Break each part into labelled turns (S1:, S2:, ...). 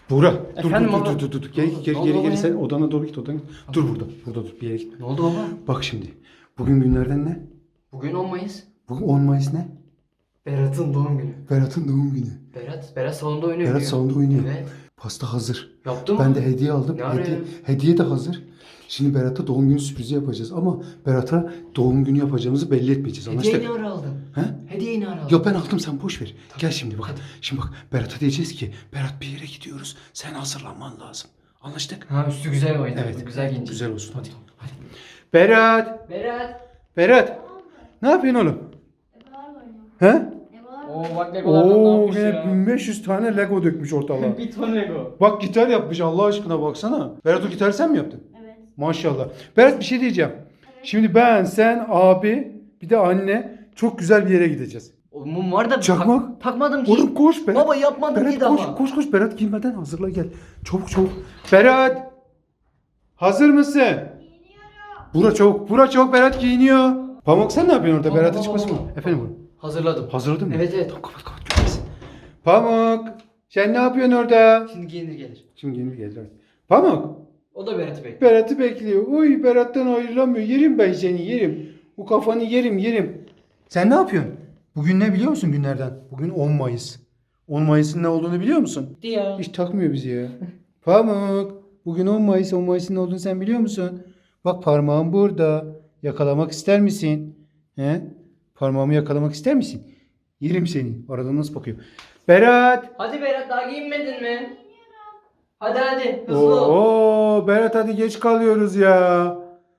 S1: Buğra dur
S2: Efendim
S1: dur,
S2: baba?
S1: dur dur dur dur. Geri
S2: Ne oldu?
S1: geri
S2: Ne oldu
S1: geri
S2: baba
S1: geri
S2: ya?
S1: sen odana doğru git odana. Dur burada dur bir yere git.
S2: Ne oldu baba?
S1: Bak şimdi. Bugün günlerden ne?
S2: Bugün 10 Mayıs.
S1: Bugün 10 Mayıs ne?
S2: Berat'ın doğum günü.
S1: Berat'ın doğum günü.
S2: Berat salonda oynuyor.
S1: Berat
S2: diyor.
S1: salonda oynuyor.
S2: Evet.
S1: Pasta hazır.
S2: Yaptın
S1: Ben
S2: mı?
S1: de hediye aldım.
S2: Ne ara ya?
S1: Hediye de hazır. Şimdi Berat'a doğum günü sürprizi yapacağız ama Berat'a doğum günü yapacağımızı belli etmeyeceğiz.
S2: Hediyeyi
S1: Anlaştık?
S2: ne ara aldın?
S1: He?
S2: Hediyeyi ne ara aldın?
S1: Yok ben aldım sen boş ver. Gel şimdi bak. Şimdi bak Berat'a diyeceğiz ki Berat bir yere gidiyoruz. Sen hazırlanman lazım. Anlaştık?
S2: Ha üstü güzel oynadı.
S1: Evet.
S2: Güzel giyince.
S1: Güzel olsun hadi. Hadi. Berat. Berat. Ne yapıyorsun oğlum? He?
S2: Oo bak Legolardan ne
S1: Oo
S2: yapmış
S1: yine
S2: ya.
S1: 1500 tane Lego dökmüş ortalığa.
S2: Bir ton Lego.
S1: Bak gitar yapmış Allah aşkına baksana. Berat o gitarı sen mi yaptın?
S3: Evet.
S1: Maşallah. Berat bir şey diyeceğim. Şimdi ben, sen, abi bir de anne çok güzel bir yere gideceğiz.
S2: O mum var da
S1: Çakmak.
S2: takmadım ki.
S1: Oğlum koş Berat.
S2: Baba yapmadım
S1: Berat
S2: ki
S1: koş,
S2: daha.
S1: koş Berat girmeden hazırla gel. Çabuk çabuk. Berat. Hazır mısın? Bura çabuk Berat giyiniyor. Pamuk sen ne yapıyorsun orada?
S2: Baba,
S1: Berat'a
S2: baba,
S1: çıkmasın mı?
S2: baba.
S1: Efendim oğlum.
S2: Hazırladım.
S1: Hazırladın mı?
S2: Evet evet.
S1: Tamam kapat görmesin. Pamuk. Sen ne yapıyorsun orada?
S2: Şimdi giyinir gelir.
S1: Şimdi yeni gelir. Evet. Pamuk.
S2: O da Berat'ı bekliyor.
S1: Berat'ı bekliyor. Uy Berat'tan ayrılamıyor. Yerim ben seni yerim. Bu kafanı yerim. Sen ne yapıyorsun? Bugün ne biliyor musun günlerden? Bugün 10 Mayıs. 10 Mayıs'ın ne olduğunu biliyor musun?
S2: Diyor.
S1: Hiç takmıyor bizi ya. Pamuk. Bugün 10 Mayıs. 10 Mayıs'ın ne olduğunu sen biliyor musun? Bak parmağım burada. Yakalamak ister misin? He? Parmağımı yakalamak ister misin? Yerim seni. Aradan nasıl bakıyor? Berat.
S2: Hadi Berat daha giyinmedin mi? Hadi hızlı ol.
S1: Oo Berat hadi geç kalıyoruz ya.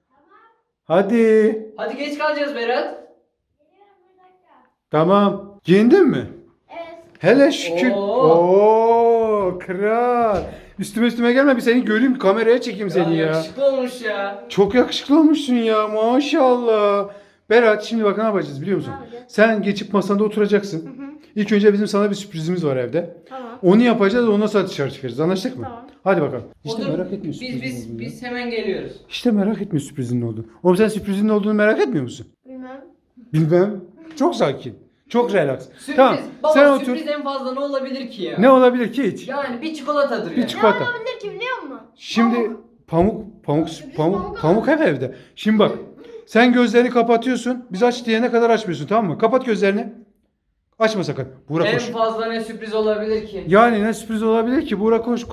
S1: Hadi.
S2: Hadi geç kalacağız Berat.
S1: Tamam. Giyindin mi?
S3: Evet.
S1: Hele şükür.
S2: Oo.
S1: Oo kral. Üstüme gelme bir seni göreyim kameraya çekeyim seni ya.
S2: Yakışıklı olmuş ya.
S1: Çok yakışıklı olmuşsun ya maşallah. Berat şimdi bak ne yapacağız biliyor musun?
S3: Ne yapacağız?
S1: Sen geçip masanda oturacaksın. İlk önce bizim sana bir sürprizimiz var evde.
S3: Tamam.
S1: Onu yapacağız ondan sonra dışarı çıkarız. Anlaştık mı?
S3: Tamam.
S1: Hadi bakalım. İşte
S2: Otur.
S1: merak etmiyorsun.
S2: Biz hemen geliyoruz.
S1: İşte merak etmiyor sürprizin ne olduğunu. Oğlum sen sürprizin ne olduğunu merak etmiyor musun?
S3: Bilmem.
S1: Bilmem. Çok sakin. Çok relax.
S2: Sürpriz.
S1: Tamam.
S2: Baba
S1: Sen otur.
S2: sürpriz en fazla ne olabilir ki ya?
S1: Ne olabilir ki hiç?
S2: Yani bir çikolatadır
S1: Bir
S2: yani.
S1: çikolata.
S3: Ne olabilir ki biliyor musun?
S1: Şimdi pamuk
S3: Pamuk
S1: hep evde. Şimdi bak. Sen gözlerini kapatıyorsun. Biz aç diyene kadar açmıyorsun tamam mı? Kapat gözlerini. Açma sakın. Buğra
S2: En
S1: koş.
S2: fazla ne sürpriz olabilir ki?
S1: Yani ne sürpriz olabilir ki? Buğra koş.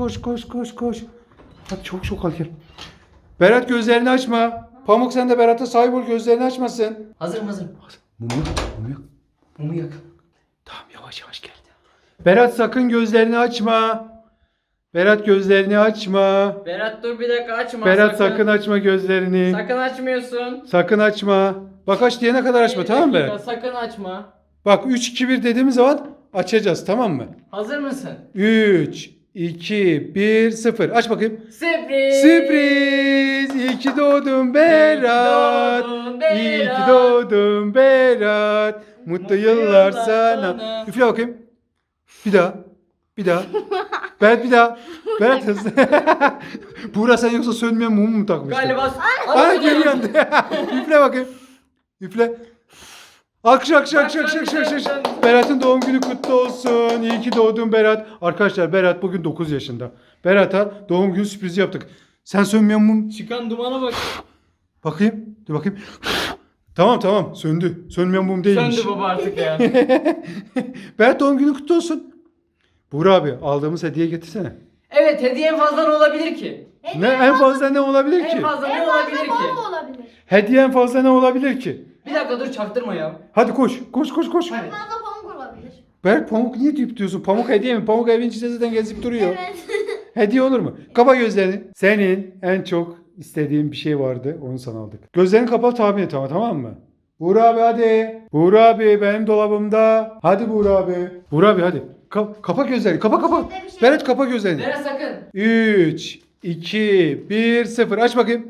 S1: Hadi çok al gel. Berat gözlerini açma. Pamuk sen de Berat'a sahip ol gözlerini açmasın.
S2: Hazırım.
S1: Mumu yok.
S2: Mumu yak.
S1: Tamam yavaş gel. Berat sakın gözlerini açma. Berat gözlerini açma.
S2: Berat dur bir dakika açma.
S1: Berat sakın açma gözlerini.
S2: Sakın açmıyorsun.
S1: Sakın açma. Bak aç diyene kadar açma
S2: Bir
S1: tamam mı
S2: dakika,
S1: Berat?
S2: Sakın açma.
S1: Bak 3 2 1 dediğimiz zaman açacağız tamam mı?
S2: Hazır mısın?
S1: 3 2 1 0 aç bakayım.
S2: Sürpriz.
S1: Sürpriz! İyi ki doğdun Berat. İyi ki doğdun Berat. Mutlu yıllar sana. Üfle bakayım. Bir daha. Berat bir daha. Berat hızlı. Buğra sen yoksa sönmeyen mumu mu takmıştın?
S2: Galiba.
S1: Ana geri yandı. Üfle bakayım. Üfle. Alkış. Berat'ın doğum günü kutlu olsun. İyi ki doğdun Berat. Arkadaşlar Berat bugün 9 yaşında. Berat'a doğum günü sürprizi yaptık. Sen sönmeyen mum.
S2: Çıkan dumana bak.
S1: Bakayım. Dur bakayım. Tamam söndü. Sönmeyen mum değilmiş.
S2: Söndü baba artık ya.
S1: Berat doğum günü kutlu olsun. Buğra abi aldığımız hediye getirsene.
S2: Evet hediye en fazla ne olabilir ki?
S1: Ne en fazla ne olabilir ki?
S2: En fazla ne
S3: En
S2: olabilir
S3: fazla
S2: ki?
S3: bol olabilir.
S1: Hediye en fazla ne olabilir ki?
S2: Bir dakika dur çaktırma ya.
S1: Hadi koş.
S3: En fazla pamuk olabilir.
S1: Berk pamuk niye deyip diyorsun? Pamuk hediye mi? Pamuk evin içinde zaten gezip duruyor.
S3: Evet.
S1: Hediye olur mu? Kapa gözlerini. Senin en çok istediğin bir şey vardı. Onu sana aldık. Gözlerini kapat tahmin et ama tamam mı? Buğra abi hadi. Buğra abi benim dolabımda. Hadi Buğra abi. Buğra abi hadi. Kapa gözlerini. Kapa.
S3: Bir şey-
S1: Berat kapa gözlerini.
S2: Berat sakın.
S1: 3, 2, 1, 0. Aç bakayım.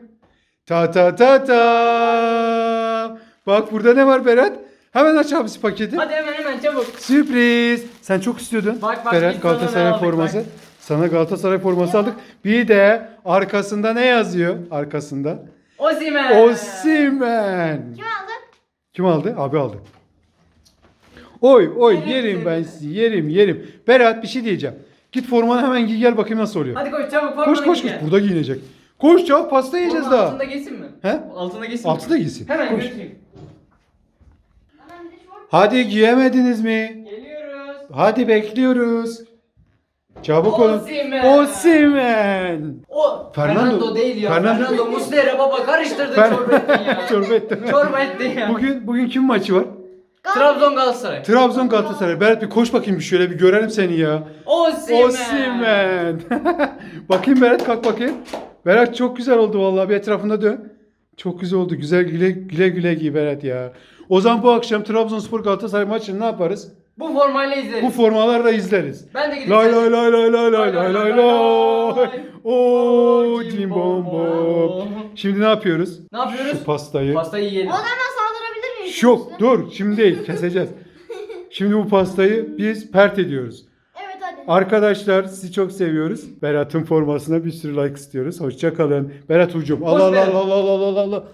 S1: Ta. Bak burada ne var Berat? Hemen aç abisi paketi.
S2: Hadi hemen çabuk.
S1: Sürpriz. Sen çok istiyordun.
S2: Bak, biz
S1: Berat
S2: sana
S1: Galatasaray
S2: ne aldık,
S1: forması.
S2: bak.
S1: Sana Galatasaray forması aldık. Bir de arkasında ne yazıyor? Arkasında.
S2: Osimhen.
S1: Osimhen.
S3: Kim aldı?
S1: Kim aldı? Abi aldı. Oy
S2: Yerim
S1: yerim
S2: seni.
S1: ben sizi yerim. Berat bir şey diyeceğim. Git formanı hemen giy gel bakayım nasıl oluyor.
S2: Hadi koş çabuk
S1: Koş
S2: formanı
S1: koş
S2: giy
S1: koş.
S2: gel.
S1: Burada giyinecek. Koş çabuk pasta yiyeceğiz
S2: Formanın
S1: daha.
S2: altında giysin mi?
S1: He?
S2: Altında giysin
S1: Altıda
S2: mi?
S1: giysin.
S2: Hemen
S1: Koş.
S2: götüreyim.
S3: Hemen bir de şort.
S1: Hadi giyemediniz mi?
S2: Geliyoruz.
S1: Hadi bekliyoruz. Çabuk olun.
S2: Osimhen.
S1: Osimhen.
S2: O
S1: Fernando.
S2: Fernando değil ya.
S1: Fernando.
S2: Fernando Muslera baba karıştırdı
S1: Fer-
S2: çorba ettin ya.
S1: Çorba ettim.
S2: Çorba ettin ya.
S1: Bugün kim maçı var?
S2: Trabzon Galatasaray.
S1: Trabzon Galatasaray. Berat bir koş bakayım bir şöyle bir görelim seni ya.
S2: Osimhen.
S1: Osimhen. Bakayım Berat kalk bakayım. Berat çok güzel oldu vallahi bir etrafında dön. Çok güzel oldu. Güzel güle güle giy Berat ya. O zaman bu akşam Trabzonspor Galatasaray maçını ne yaparız?
S2: Bu formayla izleriz.
S1: Bu formalarla izleriz.
S2: Ben de gidip
S1: Lay lay lay lay lay lay lay lay lay. Oo
S2: Cim
S1: cim
S2: bom
S1: bom bom. Şimdi ne yapıyoruz?
S2: Ne yapıyoruz?
S1: Şu pastayı.
S2: Pastayı yiyelim.
S3: Ona hemen saldırabilir miyim?
S1: Şok dur şimdi değil keseceğiz. Şimdi bu pastayı biz pert ediyoruz.
S3: Evet hadi.
S1: Arkadaşlar sizi çok seviyoruz. Berat'ın formasına bir sürü like istiyoruz. Hoşça kalın. Berat hücum.
S2: Hoş
S1: Allah Allah
S2: Berat.
S1: Allah Allah Allah Allah.